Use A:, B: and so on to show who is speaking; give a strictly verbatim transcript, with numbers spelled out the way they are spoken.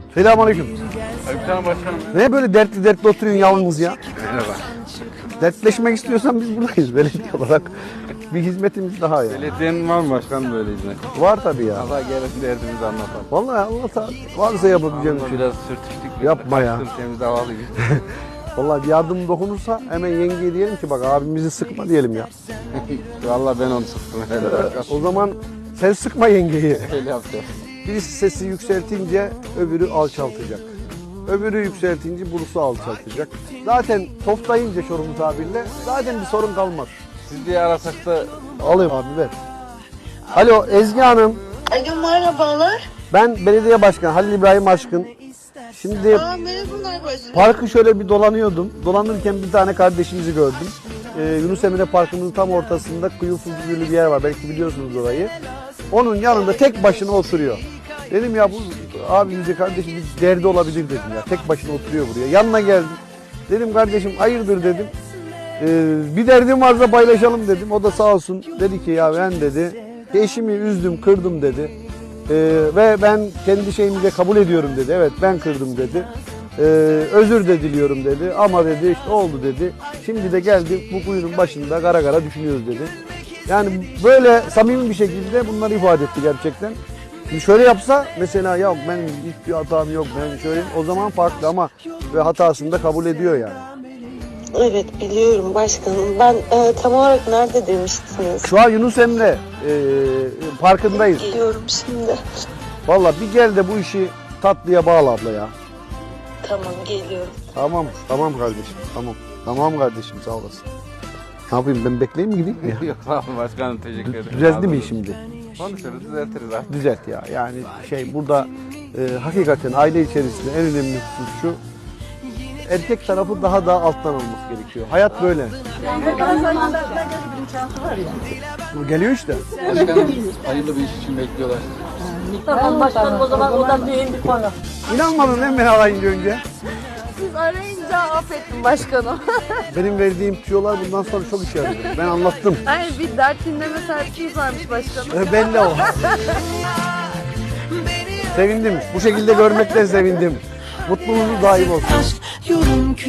A: Selamünaleyküm.
B: Aleykümselam başkanım.
A: Ne böyle dertli dertli oturuyorsun yalnız ya?
B: Merhaba.
A: Dertleşmek istiyorsan biz buradayız belediye olarak. Bir hizmetimiz daha ya.
B: Belediyenin var mı başkanım böyle hizmet?
A: Var tabii ya.
B: Allah gelin derdimizi anlatalım.
A: Vallahi Allah varsa yapabileceğim bir
B: Ama
A: şey.
B: biraz sürtüştük.
A: Yapma ya.
B: Temiz havalıyız.
A: Vallahi bir yardım dokunursa hemen yengeye diyelim ki bak abimizi sıkma diyelim ya.
B: Vallahi ben onu sıktım. Herhalde.
A: O zaman sen sıkma yengeyi.
B: Öyle yapacağız.
A: Birisi sesi yükseltince öbürü alçaltacak. Öbürü yükseltince burusu alçaltacak. Zaten toplayınca Çorum tabirle zaten bir sorun kalmaz.
B: Siz diye arasak da
A: Alayım abi ver. Alo Ezgi Hanım.
C: Alo merhabalar.
A: Ben belediye başkanı Halil İbrahim Aşkın. Şimdi
C: Aa, merhabalar başkanım.
A: parkı şöyle bir dolanıyordum. Dolanırken bir tane kardeşimizi gördüm. Ee, Yunus Emre Parkımızın tam ortasında kuyu fuzulü bir yer var. Belki biliyorsunuz orayı. Onun yanında tek başına oturuyor. Dedim ya bu abimize kardeşim bir derdi olabilir dedim ya. Tek başına oturuyor buraya. Yanına geldim. Dedim kardeşim hayırdır dedim. Ee, bir derdim varsa paylaşalım dedim. O da sağ olsun dedi ki ya ben dedi eşimi üzdüm kırdım dedi. Ee, ve ben kendi şeyimi kabul ediyorum dedi. Evet ben kırdım dedi. Ee, özür de diliyorum dedi. Ama dedi işte oldu dedi. Şimdi de geldi bu kuyunun başında gara gara düşünüyoruz dedi. Yani böyle samimi bir şekilde bunları ifade etti gerçekten. Şimdi şöyle yapsa mesela ya benim hiçbir hatam yok ben şöyle o zaman farklı ama ve hatasını da kabul ediyor yani.
C: Evet biliyorum başkanım. Ben e, tam olarak nerede demiştiniz?
A: Şu an Yunus Emre e, parkındayız.
C: Geliyorum şimdi.
A: Vallahi bir gel de bu işi tatlıya bağla abla ya.
C: Tamam geliyorum.
A: Tamam, tamam kardeşim, tamam. Tamam kardeşim, sağ olasın. Ne yapayım, ben bekleyeyim mi gideyim mi ya?
B: yok sağ olun başkanım teşekkür ederim.
A: Düzeldi mi şimdi?
B: Konuşuruz düzeltiriz artık.
A: Düzelt ya. Yani şey burada e, hakikaten aile içerisinde en önemli husus şu. Erkek tarafı daha da alttan alması gerekiyor. Hayat böyle. Bu geliyor işte.
B: Başkanım hayırlı bir iş için bekliyorlar.
D: Tamam başkanım o zaman o da mühim bir konu.
A: İnanmadın değil mi beni arayınca önce?
D: Siz arayınca affettim başkanım.
A: Benim verdiğim tüyolar bundan sonra çok işe yarıyor. Ben anlattım.
D: Hayır bir dert dinleme sertliği varmış başkanım.
A: E, belli o. Sevindim. Bu şekilde görmekten sevindim. Mutluluğunuz daim olsun.
E: Aşk yorum